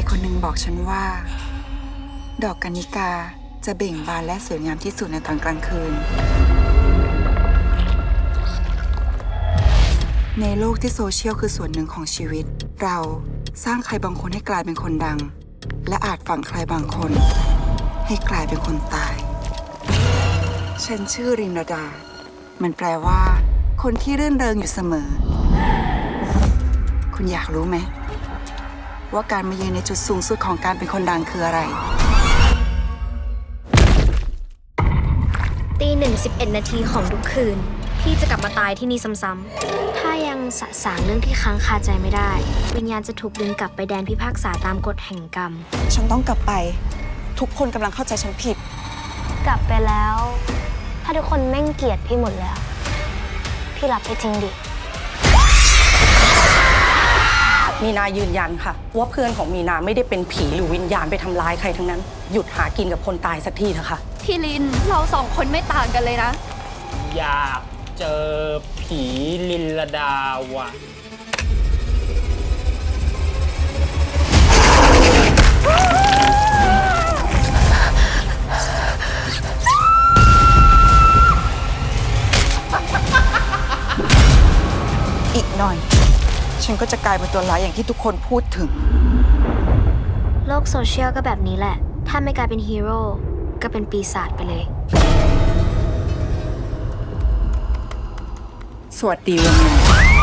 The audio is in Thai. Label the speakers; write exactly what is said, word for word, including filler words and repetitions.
Speaker 1: คนหนึ่งบอกฉันว่า ดอกกัญญิกาจะเบ่งบานและสวยงามที่สุดในตอนกลางคืน ในโลกที่โซเชียลคือส่วนหนึ่งของชีวิต เราสร้างใครบางคนให้กลายเป็นคนดัง และอาจฝังใครบางคน ให้กลายเป็นคนตาย ฉันชื่อรินรดา มันแปลว่า คนที่รื่นเริงอยู่เสมอ คุณอยากรู้ไหมว่าการมายืนในจุดสูงสุดของการเป็นคนดังคืออะไร
Speaker 2: ตีหนึ่งสิบเอ็ดนาทีของทุกคืนพี่จะกลับมาตายที่นี่ซ้ำๆถ้ายังสะสางเรื่องที่ค้างคาใจไม่ได้ วิญญาณจะถูกดึงกลับไปแดนพิพากษาตามกฎแห่งกรรม
Speaker 1: ฉันต้องกลับไป ทุกคนกำลังเข้าใจฉันผิด
Speaker 2: กลับไปแล้ว ถ้าทุกคนแม่งเกลียดพี่หมดแล้ว พี่รับไปจริงดิ
Speaker 3: มีนายืนยันค่ะว่าเพื่อนของมีนาไม่ได้เป็นผีหรือวิญญาณไปทำร้ายใครทั้งนั้น หยุดหากินกับคนตายสักทีเถอะค่ะ
Speaker 4: พี่ลิน เราสองคนไม่ต่างกันเลยนะ
Speaker 5: อยากเจอผีลินลดาว่ะ
Speaker 1: อีกหน่อย ฉันก็จะกลายเป็นตัวร้ายอย่างที่ทุกคนพูดถึง
Speaker 2: โลกโซเชียลก็แบบนี้แหละ ถ้าไม่กลายเป็นฮีโร่ก็เป็นปีศาจไปเลย
Speaker 1: สวัสดีวันหนึ่ง